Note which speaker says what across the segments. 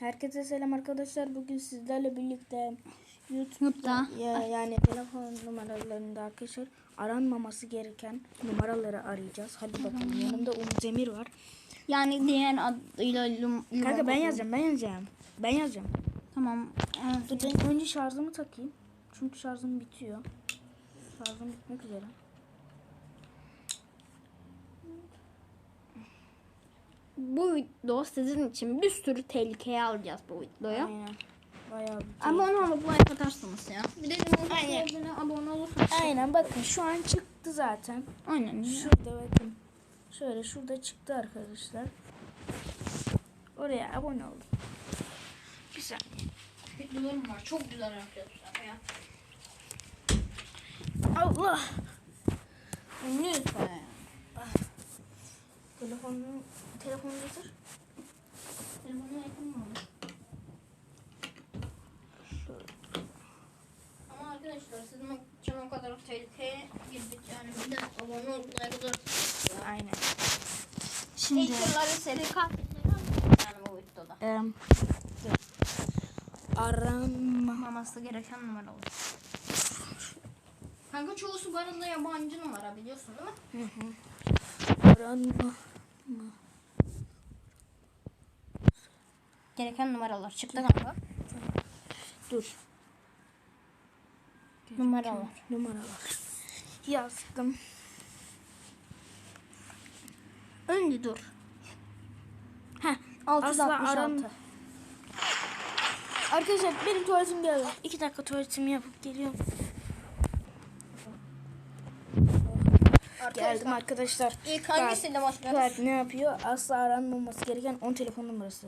Speaker 1: Herkese selam arkadaşlar. Bugün sizlerle birlikte
Speaker 2: YouTube'da
Speaker 1: yani telefon numaralarında arkadaşlar aranmaması gereken numaraları arayacağız. Hadi bakalım. Yanımda Umut Emir var.
Speaker 2: yani diğer adıyla
Speaker 1: Kanka ben yazacağım.
Speaker 2: Tamam.
Speaker 1: Dur ben önce şarjımı takayım. Çünkü şarjım bitiyor. Şarjım bitmek üzere.
Speaker 2: Bu video sizin için bir sürü tehlikeye alacağız bu videoya.
Speaker 1: Aynen. Bayağı bir
Speaker 2: Abone olup like atarsınız ya. Bir de abone olursanız.
Speaker 1: Aynen bakın şu an çıktı zaten.
Speaker 2: Aynen.
Speaker 1: Şurada bakın. Şöyle şurada çıktı arkadaşlar. Oraya abone olun. Bir saniye.
Speaker 2: Videolarım var. Çok güzel arkadaşlar ya.
Speaker 1: Allah.
Speaker 2: Lütfen.
Speaker 1: Telefonu getir.
Speaker 2: Telefonu yakın mı? Ama arkadaşlar sizin için o kadar tehlikeye girdik yani bir de abone olup like atarsınız ya.
Speaker 1: Aynen.
Speaker 2: Şimdi yılları seri katletleri yani bu videoda. Aranmaması gereken numara olur. Kanka çoğusu bu arada yabancı numara biliyorsun değil mi?
Speaker 1: Aranma.
Speaker 2: Gereken numaralar çıktı kanka.
Speaker 1: Dur.
Speaker 2: Numaralar.
Speaker 1: Yazdım.
Speaker 2: Önce dur.
Speaker 1: Heh.
Speaker 2: 666.
Speaker 1: Arkadaşlar benim tuvaletim geldi. 2 dakika tuvaletimi yapıp geliyorum. Geldim arkadaşlar.
Speaker 2: İlk hangisiyle başlıyoruz?
Speaker 1: Bak ne yapıyor? Asla aranmaması gereken 10 telefon numarası.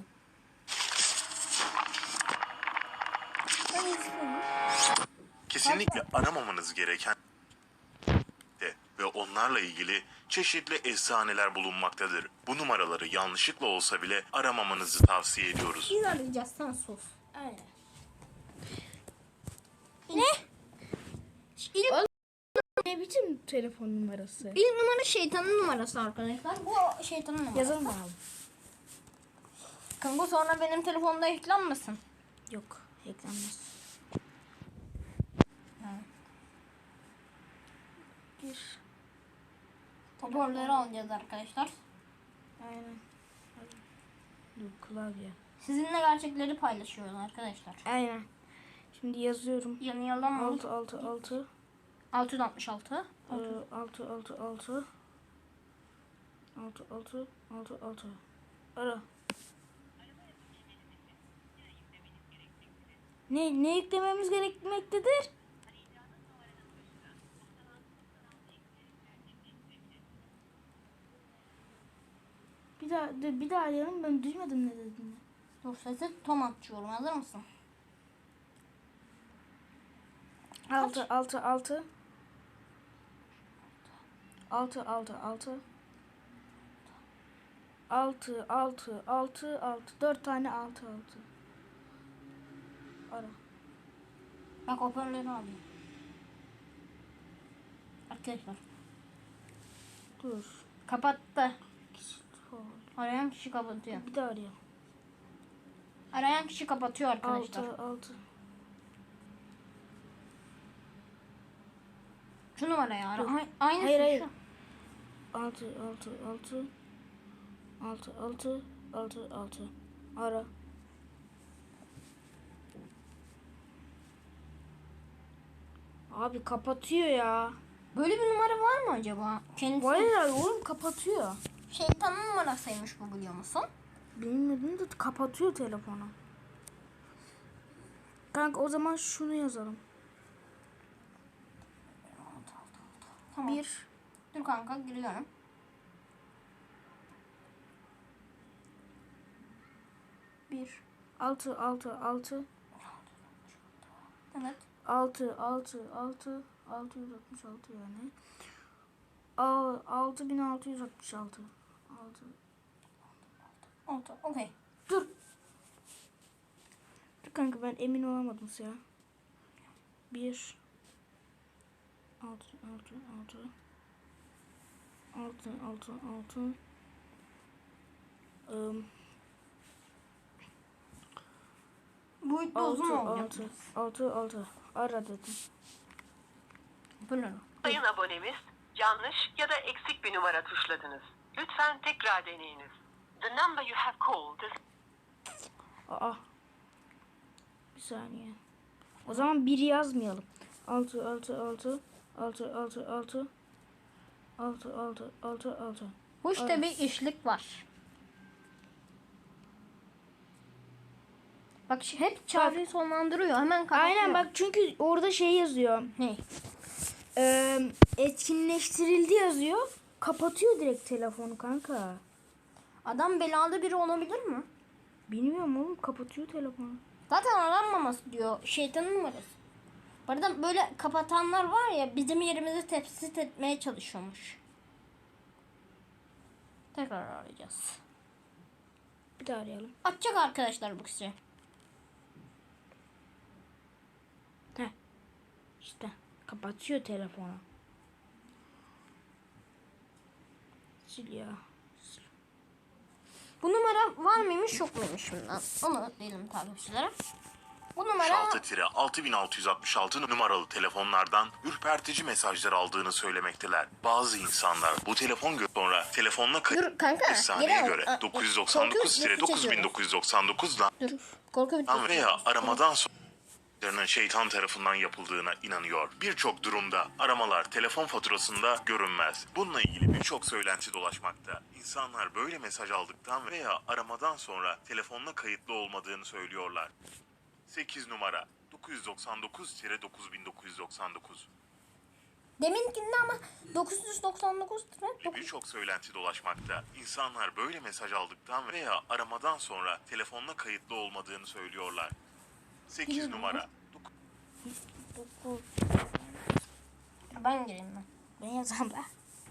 Speaker 3: Kesinlikle aramamanız gereken ve onlarla ilgili çeşitli efsaneler bulunmaktadır. Bu numaraları yanlışlıkla olsa bile aramamanızı tavsiye ediyoruz.
Speaker 2: Biz arayacağız sen sus.
Speaker 1: Aynen.
Speaker 2: Ne?
Speaker 1: Ne biçim telefon numarası?
Speaker 2: İlk numara şeytanın numarası arkadaşlar. Bu şeytanın numarası.
Speaker 1: Yazalım bakalım.
Speaker 2: Kanka sonra benim telefonda eklenmesin.
Speaker 1: Yok, eklenmez. Bir.
Speaker 2: Hoparlörü alacağız arkadaşlar.
Speaker 1: Aynen. Dur klavye.
Speaker 2: Sizinle gerçekleri paylaşıyoruz arkadaşlar.
Speaker 1: Aynen. Şimdi yazıyorum.
Speaker 2: Yani yalan mı?
Speaker 1: 666
Speaker 2: 666.
Speaker 1: 666 666 Ara. Ne yüklememiz gerekmektedir? Bir daha arayalım, ben duymadım ne dediğini.
Speaker 2: Dur sesi tam açıyorum. Hazır mısın?
Speaker 1: 6 4 tane 6 Ara.
Speaker 2: Bak hoparlörü alayım. Arkadaşlar.
Speaker 1: Dur.
Speaker 2: Kapattı. Arayan kişi kapatıyor.
Speaker 1: Bir daha arayalım.
Speaker 2: Arayan kişi kapatıyor arkadaşlar.
Speaker 1: 6
Speaker 2: Şu numarayı ara. Aynısı
Speaker 1: Hayır.
Speaker 2: şu.
Speaker 1: 6 Ara. Abi kapatıyor ya.
Speaker 2: Böyle bir numara var mı acaba? Kendisi
Speaker 1: Hayır oğlum kapatıyor.
Speaker 2: şeytanın numarasıymış bu biliyor musun?
Speaker 1: Bilmedim de kapatıyor telefonu. Kanka o zaman şunu yazalım.
Speaker 2: Tamam.
Speaker 1: 1
Speaker 2: Dur kanka giriyorum.
Speaker 1: Bir 6
Speaker 2: Evet.
Speaker 1: 666 yani. 6666
Speaker 2: Oldu. Okey.
Speaker 1: Dur kanka ben emin olamadım ya. 1 6 6
Speaker 2: boyutta uzun
Speaker 1: 6
Speaker 2: olacak.
Speaker 1: 6 ara dedim.
Speaker 2: Bu ne?
Speaker 4: Sayın abonemiz, yanlış ya da eksik bir numara tuşladınız. Lütfen tekrar deneyiniz. The number you have called is...
Speaker 1: Aa. Bir saniye. O zaman 1 yazmayalım. 6 6 6 6 6 6 6 6 6 6.
Speaker 2: Bu işte bir işlik var. Bak hep çağrıyı sonlandırıyor. Hemen kapatıyor.
Speaker 1: Aynen bak çünkü orada şey yazıyor.
Speaker 2: Ne?
Speaker 1: Etkinleştirildi yazıyor. Kapatıyor direkt telefonu kanka.
Speaker 2: Adam belalı biri olabilir mi?
Speaker 1: Bilmiyorum oğlum, kapatıyor telefonu.
Speaker 2: Zaten aranmaması diyor. Şeytanın numarası. Bu arada böyle kapatanlar var ya, bizim yerimizi tespit etmeye çalışıyormuş. Tekrar arayacağız.
Speaker 1: Bir daha arayalım.
Speaker 2: Açacak arkadaşlar bu kişi.
Speaker 1: Heh. İşte kapatıyor telefonu. Sil ya.
Speaker 2: Bu numara var mıymış yok muymuş bundan? Onu diyelim takipçilere. Bu numara
Speaker 3: 66-6666 numaralı telefonlardan ürpertici mesajlar aldığını söylemekteler. Bazı insanlar bu telefon sonra telefonla
Speaker 2: Dur kanka,
Speaker 3: efsaneye
Speaker 2: geri al.
Speaker 3: göre
Speaker 2: Aa,
Speaker 3: 999-9999'dan
Speaker 2: dur. Korku bir
Speaker 3: veya aramadan sonra şeytan tarafından yapıldığına inanıyor. Birçok durumda aramalar telefon faturasında görünmez. Bununla ilgili birçok söylenti dolaşmakta. İnsanlar böyle mesaj aldıktan veya aramadan sonra telefonla kayıtlı olmadığını söylüyorlar. 8 numara 999-9999.
Speaker 2: Deminkinde ama 999 lira.
Speaker 3: Birçok söylenti dolaşmakta. İnsanlar böyle mesaj aldıktan veya aramadan sonra telefonla kayıtlı olmadığını söylüyorlar. 8 numara
Speaker 2: Ben gireyim ben.
Speaker 1: Ben yazarım da.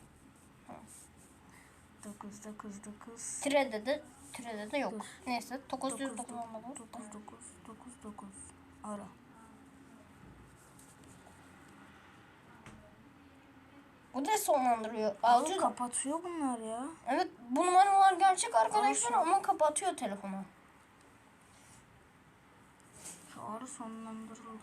Speaker 1: 999
Speaker 2: Tirede de yok. Neyse 999.
Speaker 1: 999 ara.
Speaker 2: Bu da sonlandırıyor.
Speaker 1: Oğlum
Speaker 2: 600.
Speaker 1: kapatıyor bunlar ya.
Speaker 2: Evet, bu numaralar gerçek arkadaşlar ama kapatıyor telefonu.
Speaker 1: Çağrı sonlandırıldı.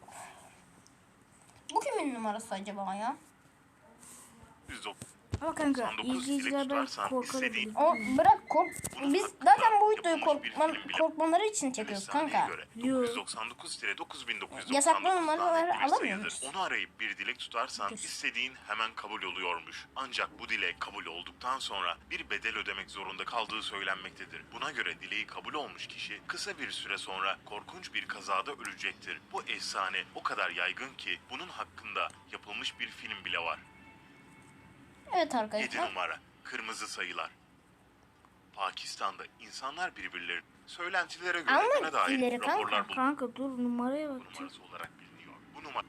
Speaker 2: Bu kimin numarası acaba ya?
Speaker 3: 199
Speaker 1: Ama kanka
Speaker 3: 99
Speaker 1: izleyiciler
Speaker 3: ile
Speaker 1: belki
Speaker 3: tutarsan
Speaker 1: korkabilir.
Speaker 2: O bırak kork. Biz zaten bu videoyu
Speaker 3: yapılmış bir film bile.
Speaker 2: korkmaları için çekiyoruz
Speaker 3: Efsaneye
Speaker 2: kanka.
Speaker 3: göre
Speaker 1: Yo.
Speaker 3: 999-9999
Speaker 2: Yasaklı numaraları
Speaker 3: elektrik
Speaker 2: alamıyor
Speaker 3: sayıdır.
Speaker 2: muyuz?
Speaker 3: Onu arayıp bir dilek tutarsan istediğin hemen kabul oluyormuş. Ancak bu dilek kabul olduktan sonra bir bedel ödemek zorunda kaldığı söylenmektedir. Buna göre dileği kabul olmuş kişi kısa bir süre sonra korkunç bir kazada ölecektir. Bu efsane o kadar yaygın ki bunun hakkında yapılmış bir film bile var.
Speaker 2: Evet
Speaker 3: 7
Speaker 2: arkadaşlar.
Speaker 3: numara kırmızı sayılar. Pakistan'da insanlar birbirleri söylentilere göre
Speaker 2: Ama
Speaker 3: buna dair
Speaker 2: dilleri kanka.
Speaker 3: raporlar bulundu.
Speaker 1: Kanka dur numaraya bak.
Speaker 3: Numarası olarak biliniyor. Bu numara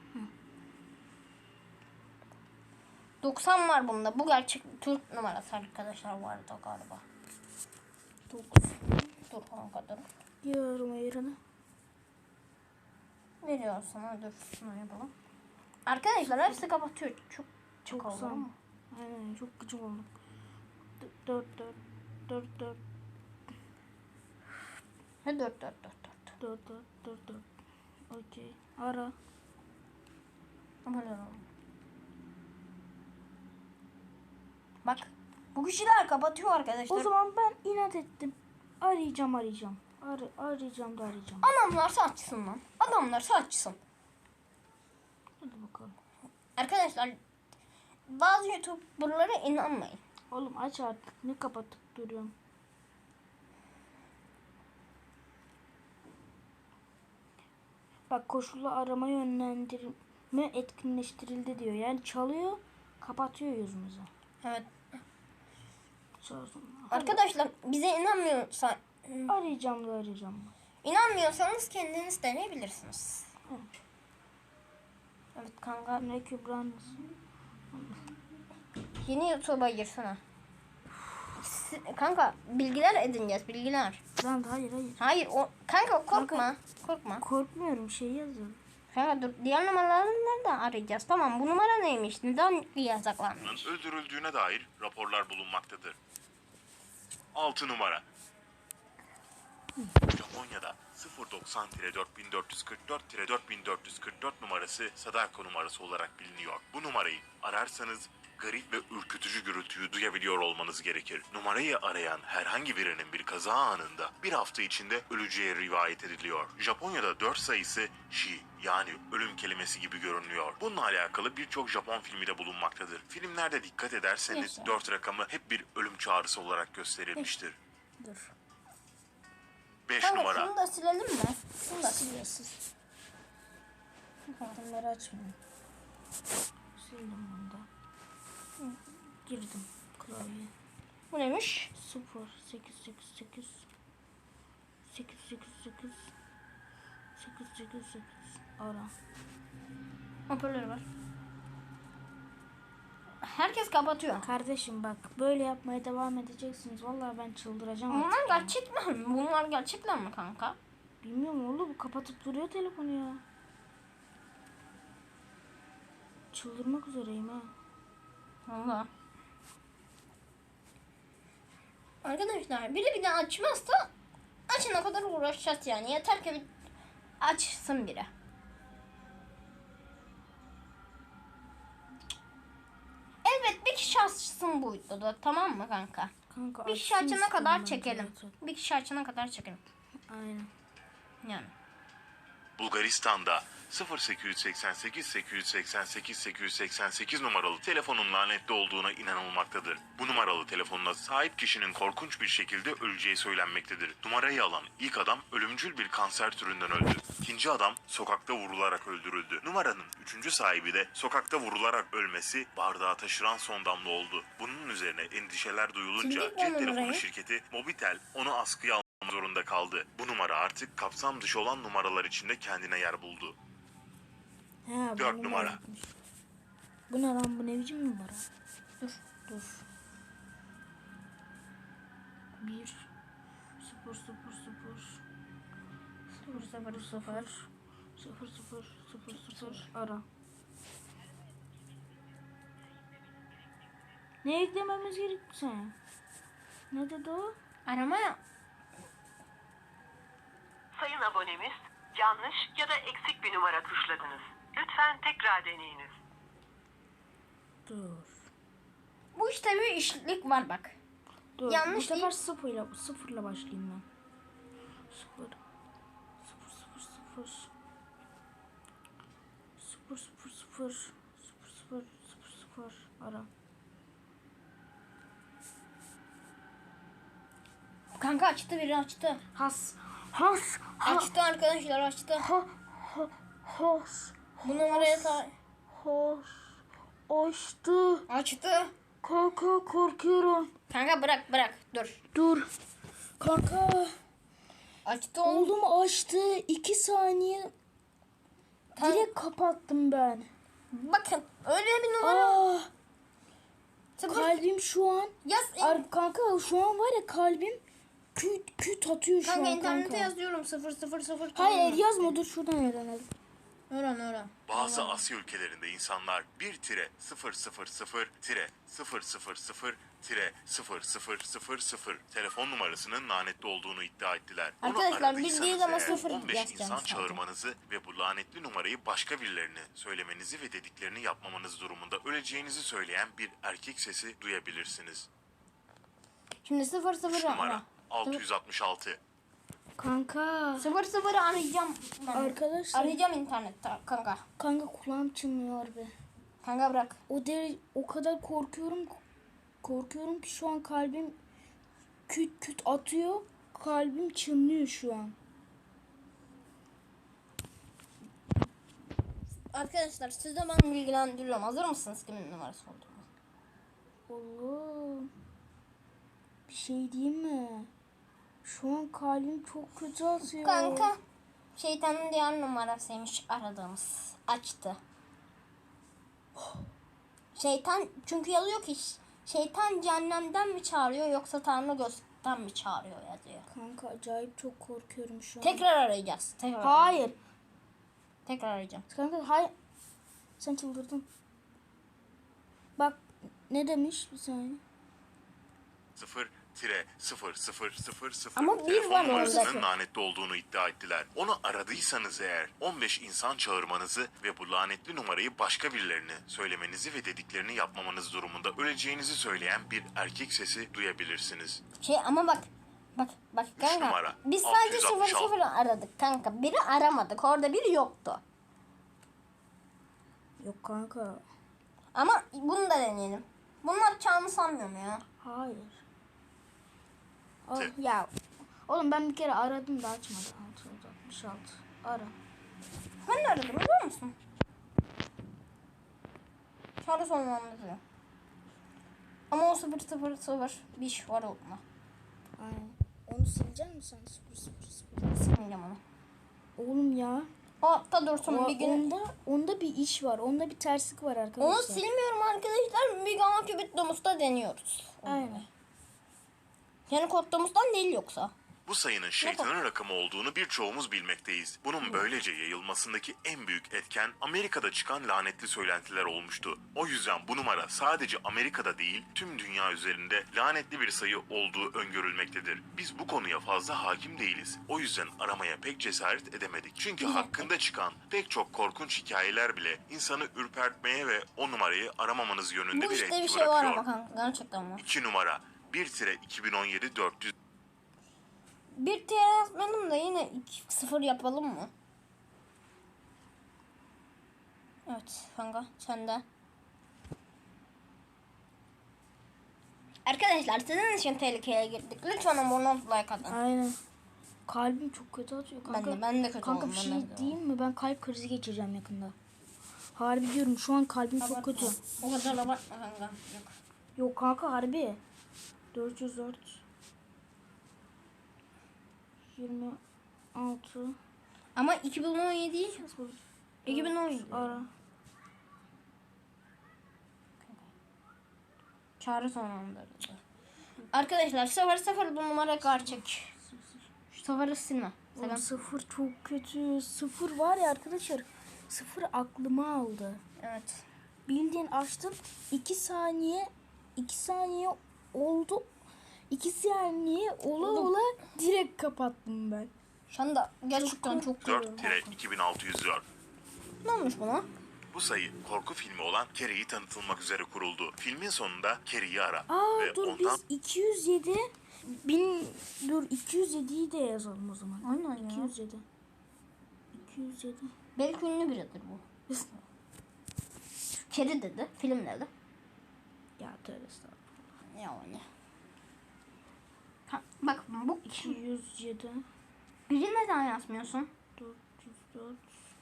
Speaker 2: 90 var bunda. Bu gerçek Türk numarası arkadaşlar vardı galiba. 9. Dur kanka dur.
Speaker 1: Diyorum yerine.
Speaker 2: Veriyor sana, dur şunu yapalım. Arkadaşlar hepsi kapatıyor. Çok oldu
Speaker 1: 90.
Speaker 2: ama.
Speaker 1: Aynen çok gıcık oldum. 4 4 4 4
Speaker 2: Ne 4.
Speaker 1: 4 4 4 4. Okey. Ara.
Speaker 2: Böyle oldu. Bak bu kişiler kapatıyor arkadaşlar.
Speaker 1: O zaman ben inat ettim. Arayacağım. Arayacağım da arayacağım.
Speaker 2: Adamlarsa açsın lan. Adamlarsa açsın.
Speaker 1: Hadi bakalım.
Speaker 2: Arkadaşlar bazı YouTuber'lara inanmayın.
Speaker 1: Oğlum aç artık. Ne kapatıp duruyorum. Bak koşullu arama yönlendirme etkinleştirildi diyor. Yani çalıyor, kapatıyor yüzümüze.
Speaker 2: Evet.
Speaker 1: Çalsın.
Speaker 2: Arkadaşlar bize
Speaker 1: Arayacağım.
Speaker 2: inanmıyorsanız kendiniz deneyebilirsiniz. Evet kanka.
Speaker 1: Ne Kübra'nız?
Speaker 2: Yeni YouTube'a girsene. Kanka bilgiler edineceğiz, bilgiler.
Speaker 1: Lan hayır.
Speaker 2: Hayır o kanka korkma.
Speaker 1: Kanka.
Speaker 2: Korkma.
Speaker 1: Korkmuyorum, şey yazıyorum.
Speaker 2: Kanka dur, diğer numaraları nereden arayacağız? Tamam, bu numara neymiş? Neden yasaklanmış?
Speaker 3: öldürüldüğüne dair raporlar bulunmaktadır. 6 numara Japonya'da 090-4444-4444 numarası Sadako numarası olarak biliniyor. Bu numarayı ararsanız garip ve ürkütücü gürültüyü duyabiliyor olmanız gerekir. Numarayı arayan herhangi birinin bir kaza anında bir hafta içinde öleceği rivayet ediliyor. Japonya'da 4 sayısı shi yani ölüm kelimesi gibi görünüyor. Bununla alakalı birçok Japon filmi de bulunmaktadır. Filmlerde dikkat ederseniz
Speaker 2: Neyse.
Speaker 3: 4 rakamı hep bir ölüm çağrısı olarak gösterilmiştir.
Speaker 2: Dur.
Speaker 3: 5
Speaker 2: Kanka
Speaker 3: numara.
Speaker 2: şunu da silelim mi? Şunu da siliyorsunuz. Bunları açmayın.
Speaker 1: Sildim bunu da. Girdim klavye.
Speaker 2: Bu neymiş?
Speaker 1: 0 8 8 8 8 8 8 8 8 8 ara.
Speaker 2: Hoparlörü var. Herkes kapatıyor.
Speaker 1: Kardeşim bak böyle yapmaya devam edeceksiniz. Vallahi ben çıldıracağım
Speaker 2: Bunlar
Speaker 1: artık ya.
Speaker 2: gerçek mi? Bunlar gerçekler mi kanka?
Speaker 1: Bilmiyorum oğlum, bu kapatıp duruyor telefonu ya. Çıldırmak üzereyim ha.
Speaker 2: Valla. Arkadaşlar biri bir de açmazsa açana kadar uğraşacağız yani. Yeter ki bir açsın biri. Evet bir kişi açsın bu videoda, tamam mı kanka?
Speaker 1: Kanka
Speaker 2: Bir kişi
Speaker 1: açsın
Speaker 2: açana
Speaker 1: istiyorum
Speaker 2: kadar
Speaker 1: ben
Speaker 2: çekelim.
Speaker 1: zaten.
Speaker 2: Bir kişi açana kadar çekelim.
Speaker 1: Aynen.
Speaker 2: Yani.
Speaker 3: Bulgaristan'da 0888 888 888 numaralı telefonun lanetli olduğuna inanılmaktadır. Bu numaralı telefonuna sahip kişinin korkunç bir şekilde öleceği söylenmektedir. Numarayı alan ilk adam ölümcül bir kanser türünden öldü. İkinci adam sokakta vurularak öldürüldü. Numaranın üçüncü sahibi de sokakta vurularak ölmesi bardağa taşıran son damla oldu. Bunun üzerine endişeler duyulunca
Speaker 2: Kimlik
Speaker 3: cep
Speaker 2: var
Speaker 3: telefonu
Speaker 2: numarayı?
Speaker 3: şirketi Mobitel onu askıya almak zorunda kaldı. Bu numara artık kapsam dışı olan numaralar içinde kendine yer buldu.
Speaker 1: He,
Speaker 3: 4
Speaker 1: bu
Speaker 3: numara.
Speaker 1: gitmiş. Bu ne lan, bu ne biçim numara?
Speaker 2: Dur.
Speaker 1: Dur. 1 0 0 0
Speaker 2: 0 0 0.
Speaker 1: 0 0 0 0 ara. Ne eklememiz gerekti sen? Ne dedi o?
Speaker 2: Aramaya.
Speaker 4: Sayın abonemiz, yanlış ya da eksik bir numara tuşladınız. Lütfen tekrar deneyiniz.
Speaker 1: Dur.
Speaker 2: Bu işte bir işlik var bak.
Speaker 1: Dur.
Speaker 2: Yanlış
Speaker 1: Bu sefer
Speaker 2: değil.
Speaker 1: sıfırla başlayayım ben. 0 0 0 0 0 0 0 0 0 0 ara.
Speaker 2: Kanka açtı, biri açtı.
Speaker 1: Has.
Speaker 2: Açtı arkadaşlar, açtı.
Speaker 1: Has.
Speaker 2: Bu numaraya
Speaker 1: Has. Açtı.
Speaker 2: açtı.
Speaker 1: Kanka korkuyorum.
Speaker 2: Kanka bırak dur.
Speaker 1: Dur. Kanka.
Speaker 2: Açtı oğlum.
Speaker 1: Oğlum açtı. 2 saniye. Direkt kapattım ben.
Speaker 2: Bakın öyle bir numara.
Speaker 1: Aa,
Speaker 2: Sıfır.
Speaker 1: kalbim şu an.
Speaker 2: Yaz.
Speaker 1: Kanka şu an var ya, kalbim küt atıyor şu
Speaker 2: Kanka
Speaker 1: an
Speaker 2: internete
Speaker 1: kanka.
Speaker 2: yazıyorum 0 0 0.
Speaker 1: Hayır yazma, dur şuradan öğrenelim.
Speaker 2: Öğren.
Speaker 3: Bazı Asya ülkelerinde insanlar 1-000-000-000 telefon numarasının lanetli olduğunu iddia ettiler. Bunu
Speaker 2: Arkadaşlar,
Speaker 3: aradıysanız
Speaker 2: bildiğiniz ama
Speaker 3: eğer,
Speaker 2: sıfır
Speaker 3: 15
Speaker 2: yazacağım
Speaker 3: insan
Speaker 2: sadece.
Speaker 3: çağırmanızı ve bu lanetli numarayı başka birilerine söylemenizi ve dediklerini yapmamanız durumunda öleceğinizi söyleyen bir erkek sesi duyabilirsiniz.
Speaker 2: Şimdi 0
Speaker 3: 3
Speaker 2: 0
Speaker 3: numara
Speaker 2: ara.
Speaker 3: 666.
Speaker 1: Kanka.
Speaker 2: 0 0 arayacağım. Ben.
Speaker 1: Arkadaşlar.
Speaker 2: Arayacağım internette kanka.
Speaker 1: Kanka kulağım çınlıyor be.
Speaker 2: Kanka bırak.
Speaker 1: O kadar korkuyorum ki şu an kalbim küt atıyor. Kalbim çınlıyor şu an.
Speaker 2: Arkadaşlar size ben bilgilendiriyorum. Hazır mısınız kimin numarası olduğunu?
Speaker 1: Oğlum. Bir şey diyeyim mi? Şu an kalbim çok kötü atıyor.
Speaker 2: Kanka şeytanın diğer numarasıymış aradığımız. Açtı. Şeytan çünkü yazıyor ki şeytan cehennemden mi çağırıyor yoksa Tanrı gökten mi çağırıyor yazıyor.
Speaker 1: Kanka acayip çok korkuyorum şu an.
Speaker 2: Tekrar arayacağız.
Speaker 1: Hayır.
Speaker 2: Tekrar arayacağım.
Speaker 1: Kanka hayır. Sen çıldırdın. Bak ne demiş bir saniye.
Speaker 3: 0 1-0000
Speaker 2: Ama bir
Speaker 3: telefon
Speaker 2: var
Speaker 3: numarasının
Speaker 2: orada.
Speaker 3: lanetli olduğunu iddia ettiler. Onu aradıysanız eğer 15 insan çağırmanızı ve bu lanetli numarayı başka birilerine söylemenizi ve dediklerini yapmamanız durumunda öleceğinizi söyleyen bir erkek sesi duyabilirsiniz.
Speaker 2: Ama bak kanka.
Speaker 3: numara,
Speaker 2: Biz sadece
Speaker 3: 666.
Speaker 2: 00 aradık kanka. Biri aramadık. Orada biri yoktu.
Speaker 1: Yok kanka.
Speaker 2: Ama bunu da deneyelim. Bunlar çağını sanmıyorum ya.
Speaker 1: Hayır.
Speaker 3: Tüh.
Speaker 1: Ya oğlum ben bir kere aradım da açmadı. 666. Ara.
Speaker 2: Ben de aradım biliyor musun? Çağrı sonlandı diyor. Ama o 000 bir iş var onunla.
Speaker 1: Aynen. Onu silecek misin sen? 000.
Speaker 2: Silmeyeceğim onu.
Speaker 1: Oğlum ya.
Speaker 2: O altta dursun bir gün.
Speaker 1: Onda bir iş var. Onda bir terslik var arkadaşlar.
Speaker 2: Onu silmiyorum arkadaşlar. Bir gama kübit domusta deniyoruz.
Speaker 1: Aynen.
Speaker 2: Yani kod domustan değil yoksa.
Speaker 3: Bu sayının şeytanın rakamı olduğunu birçoğumuz bilmekteyiz. Bunun böylece yayılmasındaki en büyük etken Amerika'da çıkan lanetli söylentiler olmuştu. O yüzden bu numara sadece Amerika'da değil tüm dünya üzerinde lanetli bir sayı olduğu öngörülmektedir. Biz bu konuya fazla hakim değiliz. O yüzden aramaya pek cesaret edemedik. Çünkü hakkında çıkan pek çok korkunç hikayeler bile insanı ürpertmeye ve o numarayı aramamanız yönünde
Speaker 2: Bu
Speaker 3: bir
Speaker 2: işte
Speaker 3: etki
Speaker 2: bir şey var
Speaker 3: bırakıyor.
Speaker 2: ama kanka. Gerçekten var.
Speaker 3: 2 numara 1-2017-400
Speaker 2: Bir TR yazmayalım da yine 0 yapalım mı? Evet kanka sen de. Arkadaşlar sizin için tehlikeye girdik. Lütfen abone olup like atın.
Speaker 1: Aynen. Kalbim çok kötü atıyor kanka.
Speaker 2: Ben de kötü
Speaker 1: Kanka
Speaker 2: oldum,
Speaker 1: bir
Speaker 2: ben
Speaker 1: şey
Speaker 2: de kötü
Speaker 1: diyeyim mi? Ben kalp krizi geçireceğim yakında. Harbi diyorum şu an kalbim çok kötü.
Speaker 2: O kadar abartma kanka. Yok.
Speaker 1: Yok kanka harbi. 404 26
Speaker 2: Ama 2017 değil. 2017.
Speaker 1: ara.
Speaker 2: Çağrı sonlandırıldı. Arkadaşlar 00 bu numara gerçek. Şu 0'ı silme.
Speaker 1: Oğlum
Speaker 2: Selam.
Speaker 1: 0 çok kötü. 0 var ya arkadaşlar. 0 aklıma aldı.
Speaker 2: Evet.
Speaker 1: Bildiğin açtım. 2 saniye oldu. 2 saniye ola direkt kapattım ben.
Speaker 2: Şu anda gerçekten çok korkuyorum.
Speaker 3: 4-2604
Speaker 2: Ne olmuş buna?
Speaker 3: Bu sayı korku filmi olan Carrie'yi tanıtılmak üzere kuruldu. Filmin sonunda Carrie'yi ara
Speaker 1: Aa
Speaker 3: ve
Speaker 1: dur
Speaker 3: ondan
Speaker 1: biz 207 dur 207'yi de yazalım o zaman.
Speaker 2: Aynen ya.
Speaker 1: 207. 207.
Speaker 2: Belki ünlü biridir bu. Kedi dedi, film dedi.
Speaker 1: Ya tövbe estağfurullah.
Speaker 2: Yani. Bak bu
Speaker 1: 207
Speaker 2: biri neden yazmıyorsun?
Speaker 1: 404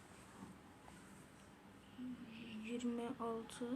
Speaker 1: 26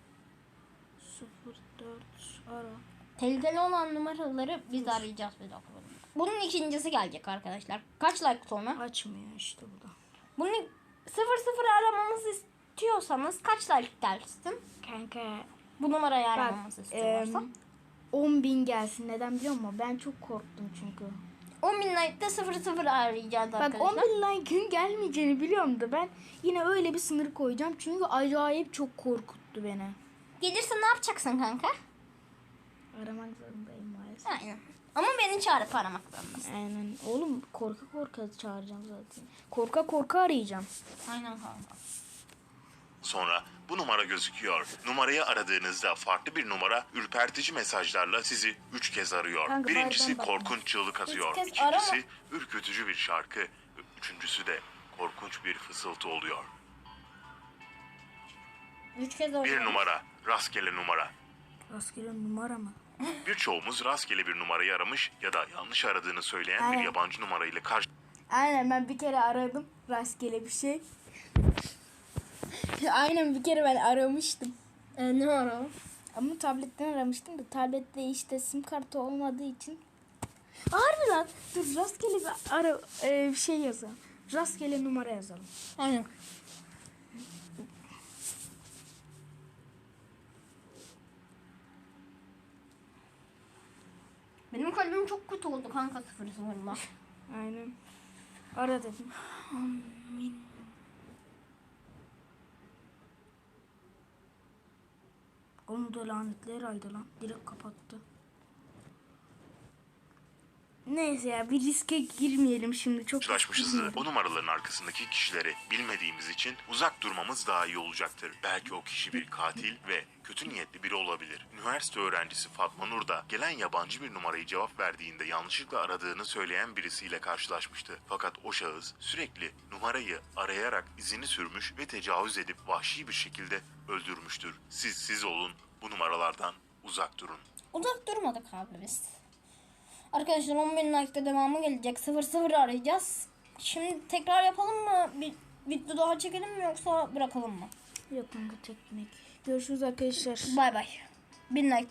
Speaker 1: 04 ara.
Speaker 2: Tehlikeli olan numaraları biz arayacağız bir dakika. Bunun ikincisi gelecek arkadaşlar. Kaç like sonra?
Speaker 1: Açmıyor işte bu da.
Speaker 2: Bunu 00 aramamızı istiyorsanız kaç like gelsin?
Speaker 1: Kanka
Speaker 2: Bu numarayı
Speaker 1: bak
Speaker 2: aramamızı istiyorlarsa.
Speaker 1: 10.000 gelsin. Neden biliyor musun? Ben çok korktum çünkü.
Speaker 2: 10.000 like'da 00 arayacağız
Speaker 1: Bak
Speaker 2: arkadaşlar.
Speaker 1: 10.000 like'ın gelmeyeceğini biliyorum da ben yine öyle bir sınır koyacağım. Çünkü acayip çok korkuttu beni.
Speaker 2: Gelirse ne yapacaksın kanka?
Speaker 1: Aramak zorundayım maalesef.
Speaker 2: Aynen. Ama beni çağırıp aramak zorundasın.
Speaker 1: Aynen. Oğlum korka korka çağıracağım zaten. Korka korka arayacağım.
Speaker 2: Aynen kanka.
Speaker 3: sonra bu numara gözüküyor. Numarayı aradığınızda farklı bir numara ürpertici mesajlarla sizi 3 kez arıyor.
Speaker 1: Kanka,
Speaker 3: Birincisi
Speaker 1: nereden bakma.
Speaker 3: korkunç çığlık atıyor.
Speaker 2: kez
Speaker 3: İkincisi ürkütücü bir şarkı. Üçüncüsü de korkunç bir fısıltı oluyor.
Speaker 2: 3 kez oldu.
Speaker 3: Bir numara, rastgele numara.
Speaker 1: Rastgele numara mı?
Speaker 3: Birçoğumuz rastgele bir numarayı aramış ya da yanlış aradığını söyleyen bir
Speaker 1: Aynen.
Speaker 3: yabancı numarayla karşı
Speaker 1: Aynen ben bir kere aradım. Rastgele bir şey. Aynen bir kere ben aramıştım.
Speaker 2: Ne var o?
Speaker 1: Ama tabletten aramıştım da tablette işte sim kartı olmadığı için. Harbi lan. Dur rastgele bir şey yazalım. Rastgele numara yazalım.
Speaker 2: Aynen. Benim kalbim çok kötü oldu kanka 00'la.
Speaker 1: Aynen. Ara dedim. Onu da lanetli herhalde lan. Direkt kapattı. Neyse ya, bir riske girmeyelim şimdi. Çok
Speaker 3: Karşılaşmışızdır. O numaraların arkasındaki kişileri bilmediğimiz için uzak durmamız daha iyi olacaktır. Belki o kişi bir katil ve kötü niyetli biri olabilir. Üniversite öğrencisi Fatma Nur da gelen yabancı bir numarayı cevap verdiğinde yanlışlıkla aradığını söyleyen birisiyle karşılaşmıştı. Fakat o şahıs sürekli numarayı arayarak izini sürmüş ve tecavüz edip vahşi bir şekilde öldürmüştür. Siz olun, bu numaralardan uzak durun.
Speaker 2: Uzak durmadık abi biz. Arkadaşlar 10.000 like'da devamı gelecek. 00 arayacağız. Şimdi tekrar yapalım mı? Bir video daha çekelim mi yoksa bırakalım mı?
Speaker 1: Yok kanka, teknik. Görüşürüz arkadaşlar.
Speaker 2: Bay bay. 1000 like